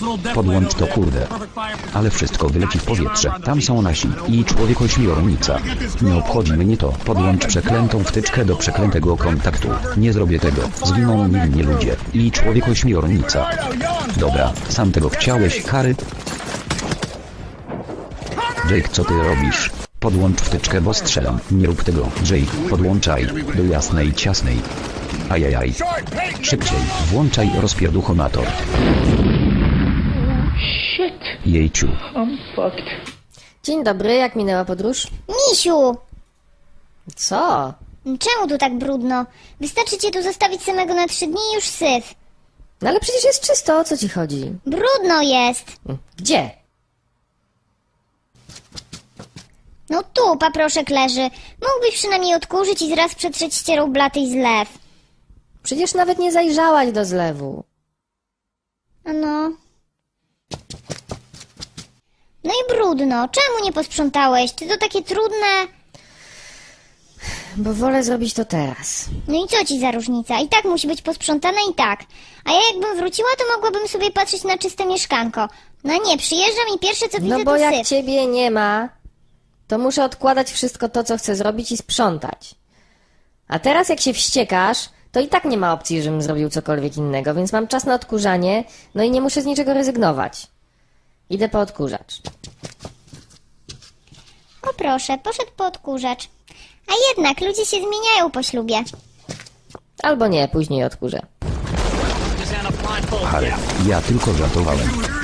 Podłącz to, kurde. Ale wszystko wyleci w powietrze. Tam są nasi i człowiek-ośmiornica. Nie obchodzi mnie to. Podłącz przeklętą wtyczkę do przeklętego kontaktu. Nie zrobię tego. Zginą niewinnie ludzie i człowiek-ośmiornica. Dobra, sam tego chciałeś, Harry? Jake, co ty robisz? Podłącz wtyczkę, bo strzelam. Nie rób tego, Jake. Podłączaj. Do jasnej, ciasnej. Ajajaj. Szybciej. Włączaj rozpierduchomator. Shit. Jejciu. I'm fucked. Dzień dobry, jak minęła podróż? Misiu! Co? Czemu tu tak brudno? Wystarczy cię tu zostawić samego na 3 dni i już syf. No ale przecież jest czysto, o co ci chodzi? Brudno jest. Gdzie? No tu paproszek leży. Mógłbyś przynajmniej odkurzyć i zraz przetrzeć ścierą blaty i zlew. Przecież nawet nie zajrzałaś do zlewu. No. No i brudno. Czemu nie posprzątałeś? Czy to takie trudne? Bo wolę zrobić to teraz. No i co ci za różnica? I tak musi być posprzątane i tak. A ja jakbym wróciła, to mogłabym sobie patrzeć na czyste mieszkanko. No nie, przyjeżdżam i pierwsze co widzę No bo to jak syf. ciebie nie ma, to muszę odkładać wszystko to, co chcę zrobić i sprzątać. A teraz jak się wściekasz, to i tak nie ma opcji, żebym zrobił cokolwiek innego, więc mam czas na odkurzanie, no i nie muszę z niczego rezygnować. Idę po odkurzacz. O proszę, poszedł po odkurzacz. A jednak ludzie się zmieniają po ślubie. Albo nie, później odkurzę. Harry, ja tylko żartowałem.